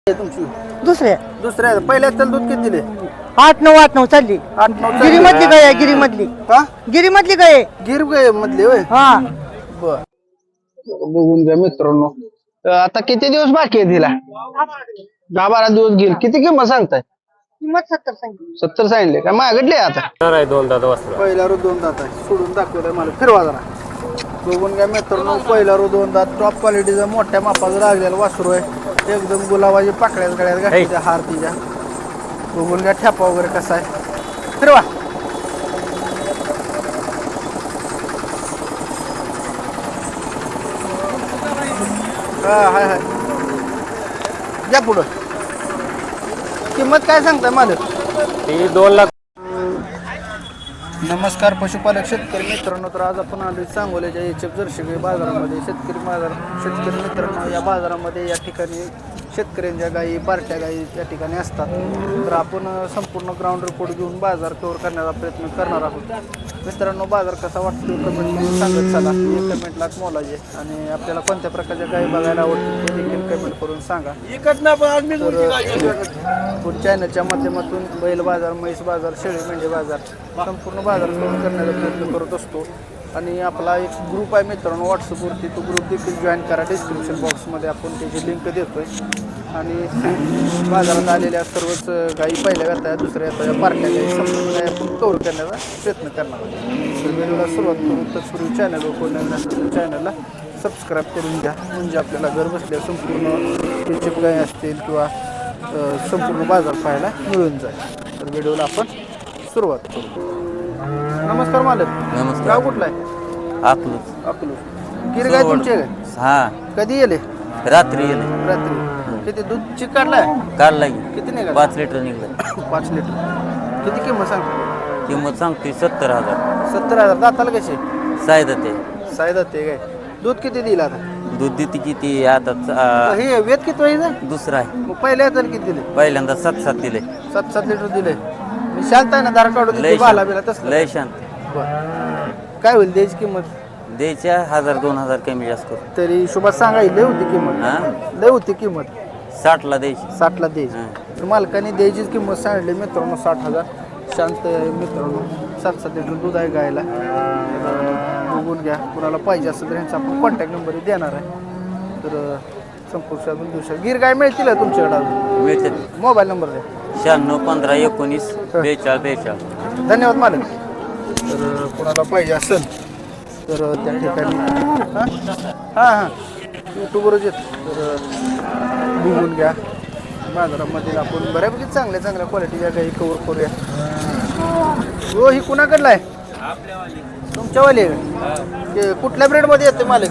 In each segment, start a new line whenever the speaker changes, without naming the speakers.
तुमची
दुसऱ्या
दुसऱ्या पहिल्या तर दूध किती दिले?
8-9 चालली.
8-9
गिरी मधली गाय आहे, गिरी मधली.
हा
गिरी मधली गाय आहे.
गिर गाय मधले होय.
हा
बर बघून घ्या मित्रांनो. आता किती दिवस बाकी आहे तिला? 10-12 दिवस घेईल. किती किंमत सांगताय?
किंमत 70 सांगितली.
70 सांगितले का मागडले आता?
दोन दादा वासरा
पहिला रो 2 दात आहे. सोडून दाखवलंय मला. फिरवा जरा. बघून घ्या मित्रांनो. पहिला रो 2 दात टॉप क्वालिटीचा मोठ्या मापाचा लागलेला वासरू आहे. एकदम गुलाबाची पाकळ्यात गळ्यात घातलेल्या हार तिच्या. बघून घ्या ठेपा वगैरे कसा आहे. फिरवा. हाय हाय या पुढं. किंमत काय सांगताय मालक?
ती 2 लाख.
नमस्कार पशुपालक शेतकरी मित्रांनो. तर आज आपण आलो सांगोल्याच्या एचएफ जर्सी बाजारामध्ये. शेतकरी मित्रांनो, या बाजारामध्ये या ठिकाणी शेतकऱ्यांच्या गायी पार्ट्या गायी या ठिकाणी असतात. तर आपण संपूर्ण ग्राउंड रिपोर्ट घेऊन बाजार कव्हर करण्याचा प्रयत्न करणार आहोत. मित्रांनो, बाजार कसा वाटतो कमेंट करून सांगत चला. एक कमेंटला मोलाजे आणि आपल्याला कोणत्या प्रकारच्या गायी बघायला आवडतील ते देखील कमेंट करून सांगा. पुढच्या चॅनलच्या माध्यमातून बैल बाजार, म्हैस बाजार, शेळी मेंढी बाजार संपूर्ण बाजार कव्हर करण्याचा प्रयत्न करत असतो. आणि आपला एक ग्रुप आहे मित्रांनो व्हॉट्सअपवरती. तो ग्रुप देखील जॉईन करा. डिस्क्रिप्शन बॉक्समध्ये आपण त्याची लिंक देतोय. आणि बाजारात आलेल्या सर्वच गायी पहिल्या येतात, दुसऱ्या येतात, पार्ट्या गायी संपूर्ण गायी आपण कव्हर करण्याचा प्रयत्न करणार आहोत. तर व्हिडिओला सुरुवात करून तत्पूर्वी चॅनलवर कोण नवीन असेल तर चॅनलला सबस्क्राईब करून घ्या. म्हणजे आपल्याला घर बसल्या संपूर्ण एचएफ गायी असतील किंवा संपूर्ण बाजार पाहायला मिळून जाईल. तर व्हिडिओला आपण सुरुवात करू. नमस्कार मालक.
नमस्कार.
गाव कुठला आहे?
अकलूज.
गिर गाय तुमची आहे?
हा
कधी येले?
रात्री येले.
रात्री. किती दूध चिक काढलाय?
काढला की
किती निघाला?
5 लिटर निघलं.
5 लिटर. किती किंमत सांगतो?
किंमत सांगते 70,000.
70,000. दाताला कसे?
सायदा ते
सायदा ते काय दूध किती दिलं आता?
दूध देते किती आता
हे वेद किती व्हायचं?
दुसरा आहे.
मग पहिल्या हाताला किती दिले?
पहिल्यांदा 7 दिले.
7 लिटर दिले. मी शांत आहे ना, धार काढून
लय
देते बाला बिला तसं.
लय शांत.
काय होईल द्यायची किंमत?
द्यायच्या 1,000-2,000 कमी जास्त करू.
तरी हिशोबात सांगायची लय होती किंमत.
हा
लय होती किंमत.
60ला द्यायची.
60ला द्यायची. तर मालकाने द्यायची किंमत सांगितली मित्रांनो 60,000. शांत आहे मित्रांनो. 7 लिटर दूध आहे गायला. बघून घ्या. कुणाला पाहिजे असेल तर ह्यांचा आपण कॉन्टॅक्ट नंबर देणार आहे. तर संपूर्ण दिवसात गिर गाय मिळतील तुमच्याकडे?
मिळते.
मोबाईल नंबर द्या.
96 15 19 42
धन्यवाद मालक. तर कुणाला पाहिजे असेल तर त्या ठिकाणी हां यूट्यूबवरच येत. तर बघून घ्या. बाजारामध्ये आपण बऱ्यापैकी चांगल्या क्वालिटीच्या गाई कवर करूया. हो, ही कुणाकडला आहे? तुमच्यावाली आहे? कुठल्या ब्रेडमध्ये येते मालक?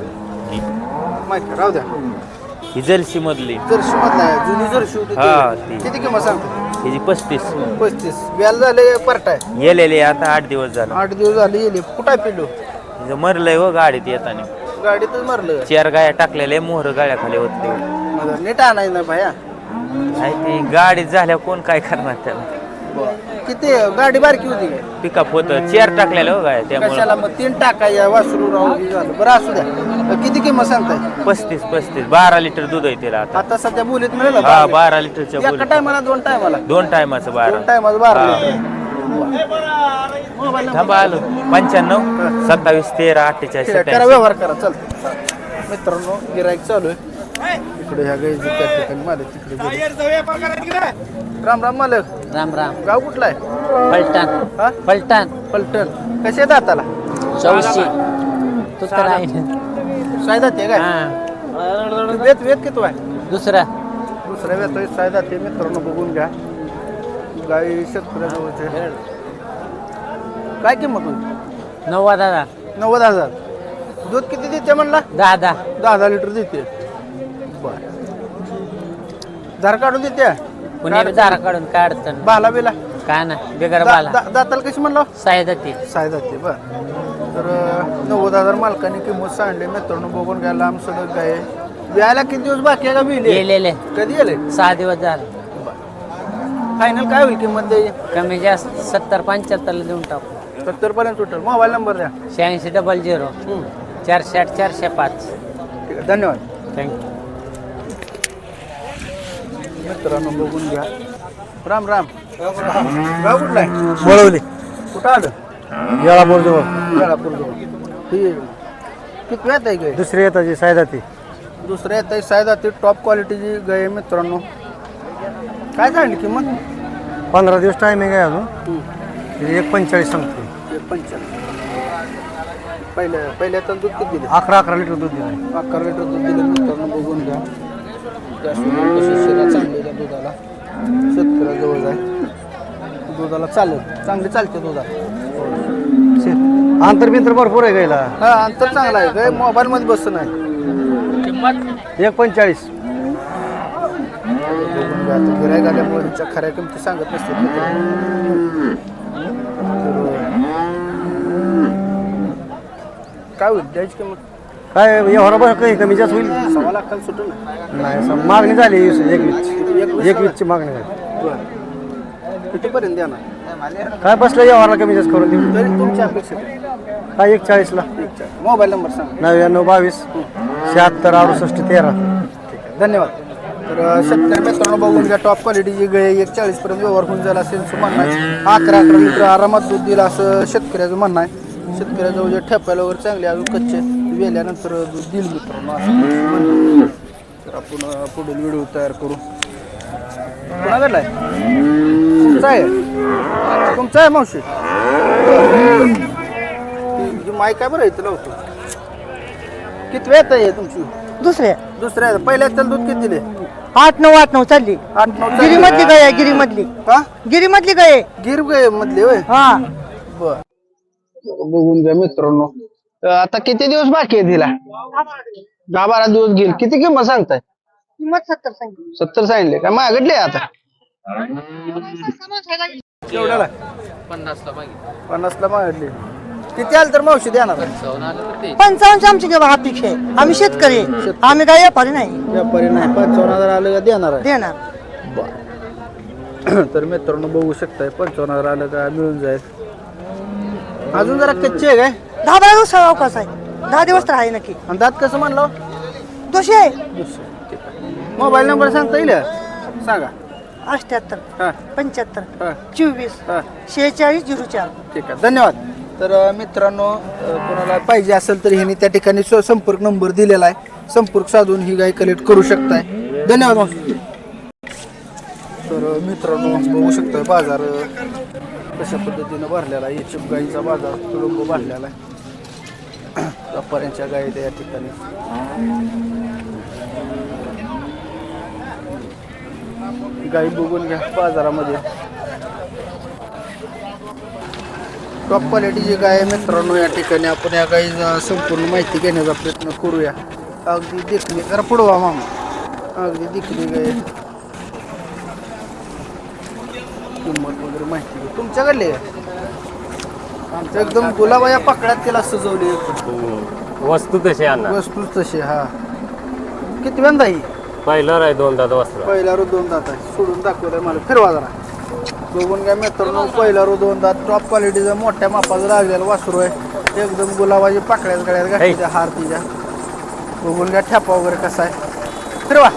माहिती राहू द्या.
ही जर्सी मधली.
जर्सी मधला आहे. जुनी जर्सी होती ती. किती किंमत सांगतो?
हिची 35.
35. व्याल झाले पार्ट आहे?
येलेले आता 8 दिवस झाले.
8 दिवस झाले येले. कुठं आहे पिल्लू?
हिचं मरलंय हो गाडीत येताना.
गाडीतच मारलं?
4 गाया टाकलेल्या, मोहर गाड्याखाली होते.
नीट आणायचं ना भाया.
नाही ती गाडीत झाल्या कोण काय करणार त्याला.
किती गाडी बारकी होती काय?
पिकअप होतं. 4 टाकलेलं हो गाय त्यामुळे.
कशाला मग 3 टाकाय वासरू राहून झालं. बरं असू द्या. किती किंमत सांगताय?
35 12 लिटर दूध आहे तिला आता.
आता सध्या बोलीत मिळेल?
हा 12 लिटरच्या
एका
बोली.
टायमाला 2 टायमाला?
2 टायमाचं 12.
2 टायमाला 12.
थांबा आलो. 95 27 13 48
करा
87.
व्यवहार करा. चल मित्रांनो, गिराईक चालू आहे इकडे. ह्या गाईचं त्या ठिकाणी मालक तिकडे. राम राम मालक.
राम राम.
गाव कुठला आहे?
पलटण.
हा
पलटण.
पलटण. कसे आहेत दाताला?
84. तू तर आहे.
सायदा ते काय? वेत किती आहे?
दुसरा.
दुसऱ्या वेळ सायदा ते मित्रांनो बघून घ्या. गाई शेतकऱ्याजवळचे. काय किंमत होती?
90,000.
90,000. दूध किती देते म्हणला?
10.
10 लिटर देते. बर. धार काढून देते?
पुणे दारा काढून काय अडचण
बाला बिला?
काय ना बेगर बाला.
दाताला कशी म्हणला?
सायदा ते.
सायदा ते. बर. तर 90,000 मालकाने किंमत सांगली मित्रांनो. बघून घ्या. लांब सडक गाय. व्यायला किती दिवस बाकी आहे का? बिल
गेलेले
कधी गेले?
6 दिवस झाले.
फायनल काय होईल किंमत द्यायची?
कमी जास्त 70-75 देऊन टाकू.
70 पर्यंत टोटल. मोबाईल नंबर द्या.
8600 408 405.
ठीक आहे. धन्यवाद.
थँक्यू.
मित्रांनो बघून घ्या. राम राम. गाव कुठला आहे?
बोलवली
कुठं आलं?
येळापूर जवळ
वेळापूर जवळ. ही किती वेळ आहे गाय?
दुसरी येताची सायदाती
दुसऱ्या येत आहे सायदाती टॉप क्वालिटीची गाय आहे मित्रांनो. काय झाली किंमत?
15 दिवस टायमिंग आहे अजून 1.45 सांगते.
1.45. पहिल्या तर दूध किती दिले?
11 लिटर दूध दिलं
11 लिटर दूध दिलं मित्रांनो बघून घ्या. कशी शिरा चांगली त्या दुधाला शेतकऱ्याजवळ आहे. दुधाला चालेल चांगली चालते दुधाला.
अंतर बिंतर भरपूर आहे गायला.
हा अंतर चांगला आहे काय मोबाईलमध्ये बसत नाही.
1.45
बघून घ्या आता गिऱ्हाईक आल्यामुळे ह्याच्या खऱ्या किमती सांगत नसतात मित्रांनो. काय होईल द्यायची किंमत?
काय एवढा बरं काही कमी जास्त होईल
1.25 लाखाला सुटून
नाही. मागणी झाली 21ची मागणी झाली.
बरं कितीपर्यंत देणार?
काय बसलं एवढा कमी जास्त करून देऊ.
तरी तुमची अपेक्षा
काय 1.40ला.
मोबाईल नंबर सांगा.
99 22 76 68 13.
धन्यवाद. तर शेतकरी मित्रांनो बघून घ्या टॉप क्वालिटीची गाय 1.40 पर्यंत व्यवहार होऊन जाईल असेल असं म्हणणं आहे. 11 लिटर आरामात दूध दिलं असं शेतकऱ्याचं म्हणणं आहे. शेतकऱ्याजवळ जे ठेपायला वगैरे चांगले अजून कच्चे वेल्यानंतर दूध दिल मित्रांनो असं म्हणणं. तर आपण पुढील व्हिडिओ तयार करू. कोणाकडला आहे? तुमचा आहे? तुमचा आहे मावशी? ही माय काय बरं येतं लावतो. किती वेळ आहे तुमची? दुसऱ्या पहिल्या त्याला दूध किती दिले?
8-9 चालली.
8-9
गिरीमधली गाय आहे, गिरीमधली.
का?
गिरीमधली गाय आहे.
गिर गाय मधले होय.
हा
बर बघून घ्या मित्रांनो. आता किती दिवस बाकी आहे तिला? 10-12 दिवस घेईल. किती किंमत सांगताय?
किंमत 70 सांगितली.
70 सांगितले का? मागितले आता केवढ्याला? 50ला मागितले. किती आलं तर मावशी देणार?
55 आमची केव्हा अपेक्षा आहे. आम्ही शेतकरी आहे. आम्ही काय व्यापारी नाही.
व्यापारी नाही. 55,000 आलं का देणार आहे?
देणार.
तर मित्रांनो बघू शकताय 55,000 आलं का मिळून जाईल. अजून जरा कच्चे आहे काय?
10-12 दिवस अवकाश आहे. 10 दिवस तर आहे नक्की.
आणि दात कसं म्हणलं?
दोषी आहे.
मोबाईल नंबर सांगता येईल? सांगा.
78
हां
75
हां
24
हां
46 04.
ठीक आहे धन्यवाद. तर मित्रांनो कोणाला पाहिजे असेल तर ह्यांनी त्या ठिकाणी संपर्क नंबर दिलेला आहे. संपर्क साधून ही गाय कलेक्ट करू शकताय. धन्यवाद मावशी. तर मित्रांनो बघू शकताय बाजार कशा पद्धतीनं भरलेला आहे. एचएफ गाईचा बाजार तुडुंब भरलेला आहे. व्यापाऱ्यांच्या गाई त्या ठिकाणी गाई बघून घ्या बाजारामध्ये. टॉप क्वालिटीची गाय आहे मित्रांनो. या ठिकाणी आपण या गाईचा संपूर्ण माहिती घेण्याचा प्रयत्न करूया. अगदी देखणी जरा पुढवा मामा. अगदी देखणी गाय. किंमत वगैरे माहिती घे. तुमच्याकडले आमच्या एकदम गुलाबाया पकड्यात त्याला सजवली.
वस्तू तशी आणा.
वस्तू तशी. हा किती वेंदा ही?
पहिलं आहे 2 दात वासरा.
पहिला रो 2 दात आहे. सोडून दाखवलंय मला. फिरवा जरा बघून घ्या मित्रांनो. पहिला रो 2 दात टॉप क्वालिटीचा मोठ्या मापाचा लागलेला वासरू आहे. एकदम गुलाबाची पाकळ्यात गळ्यात घातलेल्या हार तिच्या. बघून घ्या ठेपा वगैरे कसा आहे. फिरवा.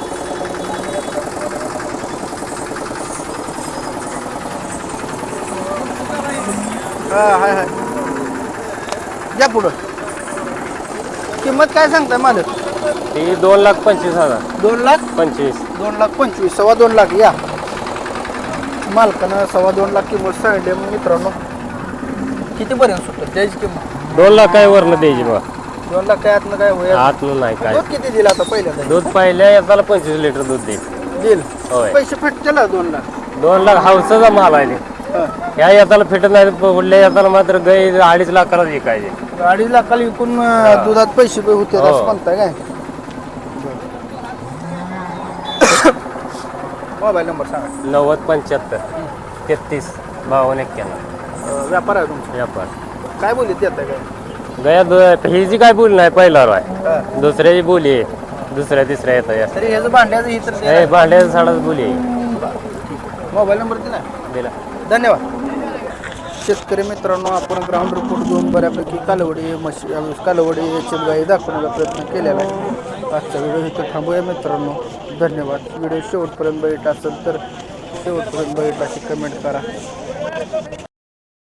हा हाय हाय या पुढं. किंमत काय सांगताय मालक?
ती 2,25,000.
2,25,000. 2,25,000 2.25 लाख या मालकानं 2.25 लाख किंमत सांगितली. मग मित्रांनो कितीपर्यंत सुटत त्याची किंमत?
2 लाख काय वरनं द्यायची बघा.
2 लाख काय आतनं काय होईल?
आतलं नाही काय.
दूध किती दिला आता पहिल्यांदा?
दूध पहिल्या येताला 25 लिटर दूध देईल.
दिल
होय.
पैसे फिटतेला 2 लाख.
2 लाख हावसाचा माल आहे.
हा.
ह्या येताला फिटत नाही. पुढल्या येताला मात्र गाई 2.5 लाखाला विकायचे.
2.5 लाखाला विकून दुधात पैसे होते
हो.
असं म्हणताय काय? मोबाईल नंबर सांगा.
90 75 33 52 91.
व्यापार आहे तुमचा?
व्यापार
काय बोलीत देताय काय?
गया हिची काय बोली नाही पहिला आहे.
हा.
दुसऱ्याची बोली आहे. दुसऱ्या तिसऱ्या येतात.
तरी ह्याचं भांड्याचं ही तर
हे भांड्याचा साडाच बोली आहे.
मोबाईल नंबर दिला.
दिला.
धन्यवाद. शेतकरी मित्रांनो आपण ग्राउंड रिपोर्ट घेऊन बऱ्यापैकी कालवडी कालवडी याची गाई दाखवण्याचा प्रयत्न केलेला आहे. आजचा व्हिडिओ इथं थांबूया मित्रांनो. धन्यवाद. व्हिडिओ शेवटपर्यंत बघितला असेल तर शेवटपर्यंत बघितला अशी कमेंट करा.